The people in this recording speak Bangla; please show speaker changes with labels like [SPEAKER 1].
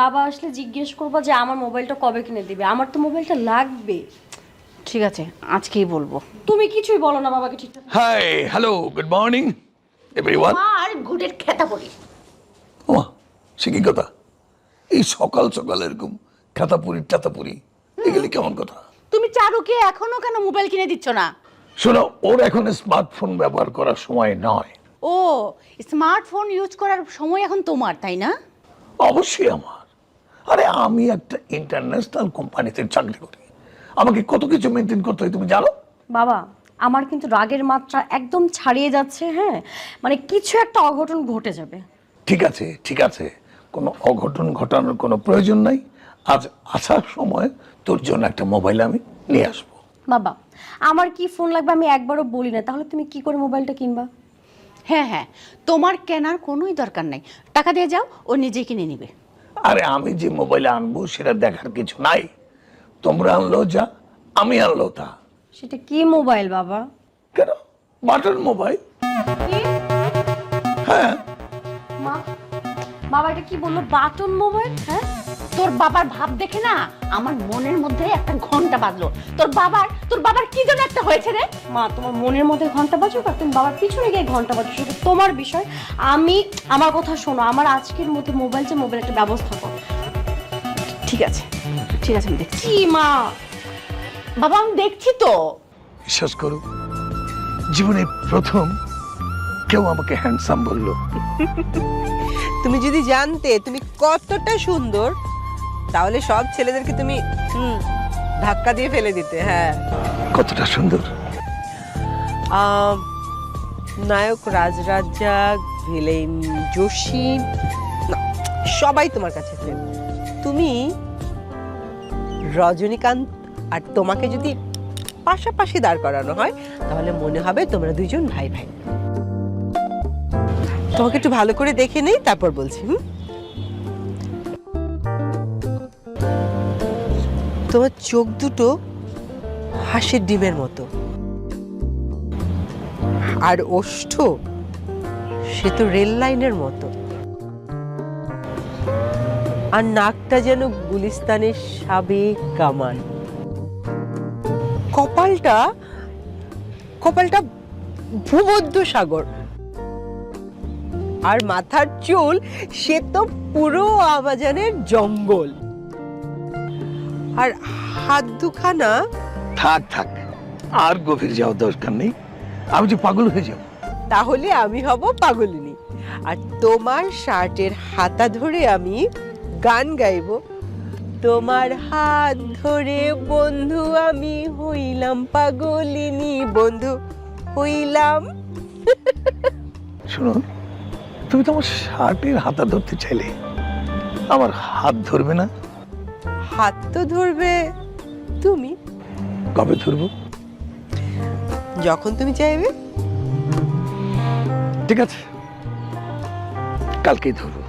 [SPEAKER 1] বাবা আসলে জিজ্ঞেস করবো যে আমার মোবাইলটা কবে কিনে দিবে, আমার তো মোবাইলটা লাগবে।
[SPEAKER 2] ঠিক আছে, আজকেই বলবো।
[SPEAKER 1] তুমি কিছুই বলো না বাবাকে ঠিকঠাক।
[SPEAKER 3] Hi hello good morning everyone.
[SPEAKER 2] আর গুডের খেতা পড়ি।
[SPEAKER 3] ওমা সে কি কথা, এই সকাল সকাল এরকম টাতাপুরি এগুলি কেমন কথা?
[SPEAKER 2] তুমি চারুকে এখনো কেন মোবাইল কিনে দিচ্ছ না?
[SPEAKER 3] শোনো, ওর এখন স্মার্টফোন ব্যবহার করার সময় নয়।
[SPEAKER 2] ও, স্মার্টফোন ইউজ করার সময় এখন তোমার, তাই না?
[SPEAKER 3] অবশ্যই আমার। আরে আমি একটা ইন্টারন্যাশনাল কোম্পানিতে চাকরি করি, আমাকে কত কিছু মেনটেন করতে হয় তুমি জানো।
[SPEAKER 1] বাবা আমার কিন্তু রাগের মাত্রা একদম ছাড়িয়ে যাচ্ছে, হ্যাঁ মানে কিছু একটা অঘটন ঘটে যাবে।
[SPEAKER 3] ঠিক আছে, কোনো অঘটন ঘটানোর কোনো প্রয়োজন নাই। আজ আসার সময় তোর জন্য একটা মোবাইল আমি নিয়ে আসবো।
[SPEAKER 1] বাবা আমার কি ফোন লাগবে আমি একবারও বলি না, তাহলে তুমি কি করে মোবাইলটা কিনবা?
[SPEAKER 2] হ্যাঁ হ্যাঁ, তোমার কেনার কোনোই দরকার নাই, টাকা দিয়ে যাও, ও নিজেই কিনে নিবে।
[SPEAKER 3] আরে আমি যে মোবাইল আনবো সেটা দেখার কিছু নাই, তোমরা আনলো যা, আমি আনলো তা।
[SPEAKER 1] সেটা কি মোবাইল বাবা?
[SPEAKER 3] কেন, বাটন মোবাইল। হ্যাঁ
[SPEAKER 1] মা বাবা এটা কি বললো, বাটন মোবাইল? হ্যাঁ
[SPEAKER 2] তোর বাবার ভাব দেখে না আমার মনের মধ্যে একটা ঘন্টা বাজলো। তোর বাবার কি যেন একটা হয়েছে রে।
[SPEAKER 1] মা তোমার মনের মধ্যে ঘন্টা বাজুক আর তুমি বাবার পিছনে গিয়ে ঘন্টা বাজুক, সেটা তোমার বিষয়। আমার কথা শোনো, আমার আজকের মধ্যে মোবাইল একটা ব্যবস্থা করো।
[SPEAKER 2] ঠিক আছে আমি দেখছি।
[SPEAKER 1] কি মা?
[SPEAKER 2] বাবা আমি দেখছি তো।
[SPEAKER 3] বিশ্বাস করো, জীবনে প্রথম কেউ আমাকে হ্যান্ডসাম বললো।
[SPEAKER 4] তুমি যদি জানতে তুমি কতটা সুন্দর, তাহলে সব ছেলেদেরকে তুমি ধাক্কা দিয়ে ফেলে দিতে। হ্যাঁ,
[SPEAKER 3] কতটা সুন্দর?
[SPEAKER 4] নায়ক রাজরাজ্জাক, ভিলেন যোশী, না, সবাই তোমার কাছে ফেল। তুমি রজনীকান্ত আর তোমাকে যদি পাশাপাশি দাঁড় করানো হয় তাহলে মনে হবে তোমরা দুইজন ভাই ভাই। তোমাকে একটু ভালো করে দেখে নেই, তারপর বলছি। তোমার চোখ দুটো হাঁসের ডিমের মতো, আর ওষ্ঠ সে তো রেল লাইনের মতো, আর নাকটা যেন গুলিস্তানের সাবেক কামান। কপালটা ভূমধ্য সাগর, আর মাথার চুল সে তো পুরো আমাজনের জঙ্গল, আর হাত দুখানা।
[SPEAKER 3] থাক আর গভীর যাওয়ার দরকার নেই, আমি যে পাগল হয়ে যাব।
[SPEAKER 4] তাহলে আমি হব পাগলিনী, আর তোমার শার্টের হাতা ধরে আমি গান গাইব। তোমার হাত ধরে বন্ধু আমি হইলাম পাগলিনী, বন্ধু হইলাম।
[SPEAKER 3] শোনো, তুমি তো আমার শার্টের হাতা ধরতে চাইলে, আমার হাত ধরবে না?
[SPEAKER 4] হাত তো ধরবে তুমি।
[SPEAKER 3] কবে ধরবো?
[SPEAKER 4] যখন তুমি চাইবে।
[SPEAKER 3] ঠিক আছে, কালকেই ধরবো।